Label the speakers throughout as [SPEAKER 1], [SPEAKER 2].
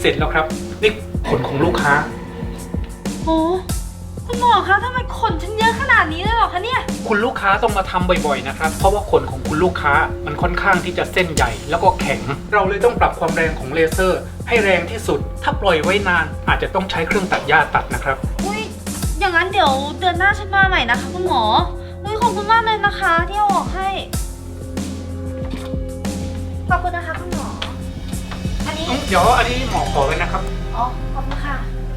[SPEAKER 1] เสร็จแล้วครับนี่ขนของลูกค้า
[SPEAKER 2] โอ้คุณหมอคะทำไมขนฉันเยอะขนาดนี้เลยเหรอคะเนี่ย
[SPEAKER 1] คุณลูกค้าต้องมาทำบ่อยๆนะครับเพราะว่าขนของคุณลูกค้ามันค่อนข้างที่จะเส้นใหญ่แล้วก็แข็งเราเลยต้องปรับความแรงของเลเซอร์ให้แรงที่สุดถ้าปล่อยไว้นานอาจจะต้องใช้เครื่องตัดหญ้าตัดนะครับ
[SPEAKER 2] อุ้ยอย่างนั้นเดี๋ยวเดือนหน้าฉันมาใหม่นะคะคุณหมออุ้ยขอบคุณมากเลยนะคะที่เอาออกให้ขอบคุณนะคะคุณหมออันนี้
[SPEAKER 1] เดี๋ยวอันนี้หมอขอไว้นะครับ
[SPEAKER 2] อ๋อขอบคุณค่ะ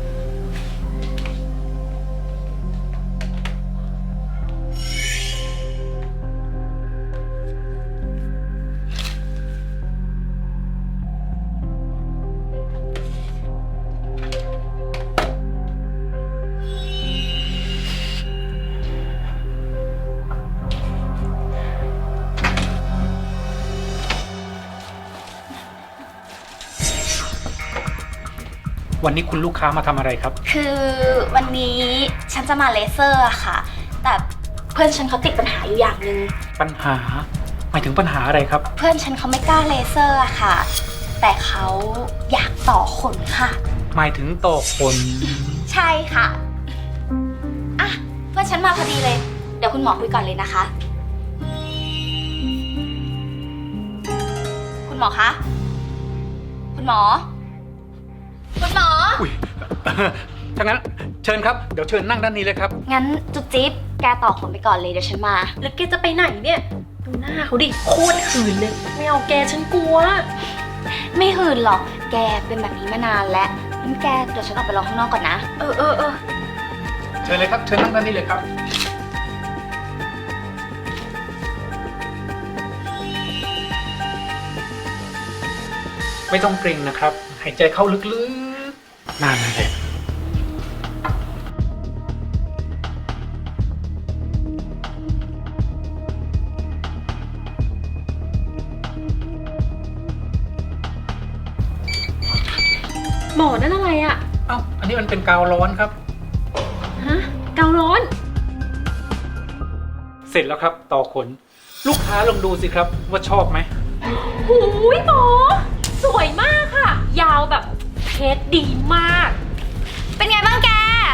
[SPEAKER 1] วันนี้คุณลูกค้ามาทำอะไรครับ
[SPEAKER 3] คือวันนี้ฉันจะมาเลเซอร์อะค่ะ แต่เพื่อนฉันเขาติดปัญหาอยู่อย่างหนึ่ง
[SPEAKER 1] ปัญหาหมายถึงปัญหาอะไรครับ
[SPEAKER 3] เพื่อนฉันเขาไม่กล้าเลเซอร์อะค่ะ แต่เขาอยากต่อขนค่ะ
[SPEAKER 1] หมายถึงต่อขน
[SPEAKER 3] ใช่ค่ะอ่ะเพื่อนฉันมาพอดีเลย เดี๋ยวคุณหมอคุยก่อนเลยนะคะ คุณหมอคะคุณหมอคุณหมอ
[SPEAKER 1] อุ้ย ถ้างั้นเชิญครับ เดี๋ยวเชิญนั่งด้านนี้เลยครับ
[SPEAKER 3] งั้นจุ๊บจิ๊บแกต่อขนไปก่อนเลยเดี๋ยวฉันมา
[SPEAKER 2] แล้วแกจะไปไหนเนี่ยดูหน้าเขาดิโคตรหืนเลยไม่เอาแกฉันกลัว
[SPEAKER 3] ไม่หืนหรอก แกเป็นแบบนี้มานานแล้วงั้นแกเดี๋ยวฉันออกไปรอข้างนอกก่อนนะ
[SPEAKER 2] เออ
[SPEAKER 1] เชิญเลยครับ เชิญนั่งด้านนี้เลยครับ ไม่ต้องเกรงนะครับ หายใจเข้าลึกๆนานเลย
[SPEAKER 2] หมอนั่นอะไรอะ
[SPEAKER 1] เอ้า อันนี้มันเป็นกาวร้อนครับ
[SPEAKER 2] ฮะเการ้อน
[SPEAKER 1] เสร็จแล้วครับ ต่อขน ลูกค้าลองดูสิครับ ว่าชอบไหม
[SPEAKER 2] หูยหมอ สวยมากค่ะ ยาวแบบเทสดีมาก
[SPEAKER 3] เป็นไงบ้างแก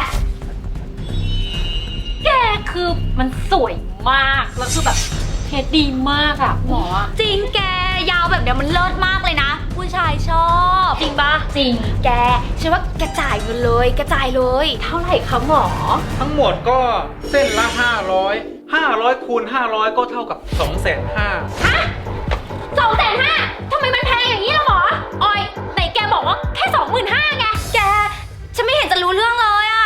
[SPEAKER 2] แกคือมันสวยมากแล้วคือแบบเทสดีมากอะหมอ
[SPEAKER 3] จริงแกยาวแบบเนี้ยมันเลิศมากเลยนะ ผู้ชายชอบ
[SPEAKER 2] จริงปะจริง
[SPEAKER 3] แกฉันว่าแกจ่ายเงินเลยแกจ่ายเลย
[SPEAKER 2] เท่าไหร่คะหมอ
[SPEAKER 1] ทั้งหมดก็เส้นละ 500คูณ500 ก็เท่ากับ 250,000
[SPEAKER 2] ฮะ250,000ทำไมมันแพงอย่างนี้ล่ะหมอออยไหนแกบอกว่าแค่25,000ไง
[SPEAKER 3] แกฉันไม่เห็นจะรู้เรื่องเลยอะ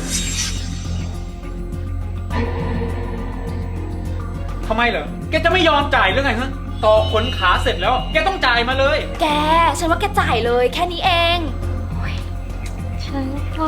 [SPEAKER 1] ทำไมเหรอ แกจะไม่ยอมจ่ายหรือไงฮะ ต่อขนขาเสร็จแล้ว แกต้องจ่ายมาเลย
[SPEAKER 3] แกฉันว่าแกจ่ายเลยแค่นี้เอง
[SPEAKER 2] ฉันก็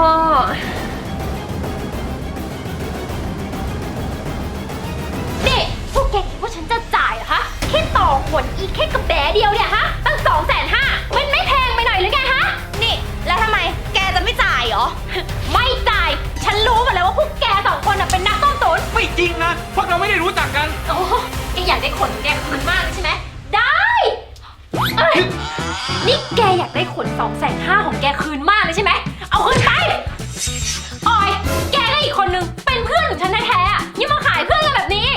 [SPEAKER 2] นี่พวกแกคิดว่าฉันจะจ่ายเหรอคะแค่ต่อขนอีกแค่กระแบะเดียวเนี่ยฮะตั้ง250,000มันไม่แพงไปหน่อยหรือไงฮะ
[SPEAKER 3] นี่แล้วทำไมแกจะไม่จ่ายเหรอ
[SPEAKER 2] ไม่จ่าย ฉันรู้หมดแล้วว่าพวกแกสองคนน่ะเป็นนักต้มตุ๋น
[SPEAKER 1] ไม่จริงนะ พวกเราไม่ได้รู้จักกัน
[SPEAKER 2] โอ้แกอยากได้ขนแกคืนมากเลยใช่ไหม ได้เอ้ยนี่แกอยากได้ขน250,000ของแกคืนมากเลยใช่ไหม เอาคืนไปออย แกก็อีกคนนึงเป็นเพื่อนของฉันแท้ๆอ่ะยังมาขายเพื่อนกันแบบนี้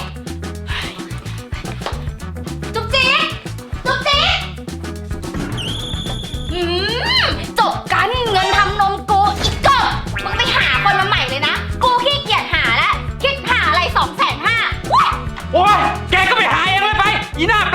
[SPEAKER 2] จุ๊บจิ๊กจุ๊บจิ๊ก
[SPEAKER 3] จบกันเงินทำนมกูอีกเกิมึงไปหาคนมาใหม่เลยนะ กูขี้เกียจหาแล้วคิดหาอะไร250,000
[SPEAKER 1] โอ้ย แกก็ไปหาเองเลยไป อีหน้า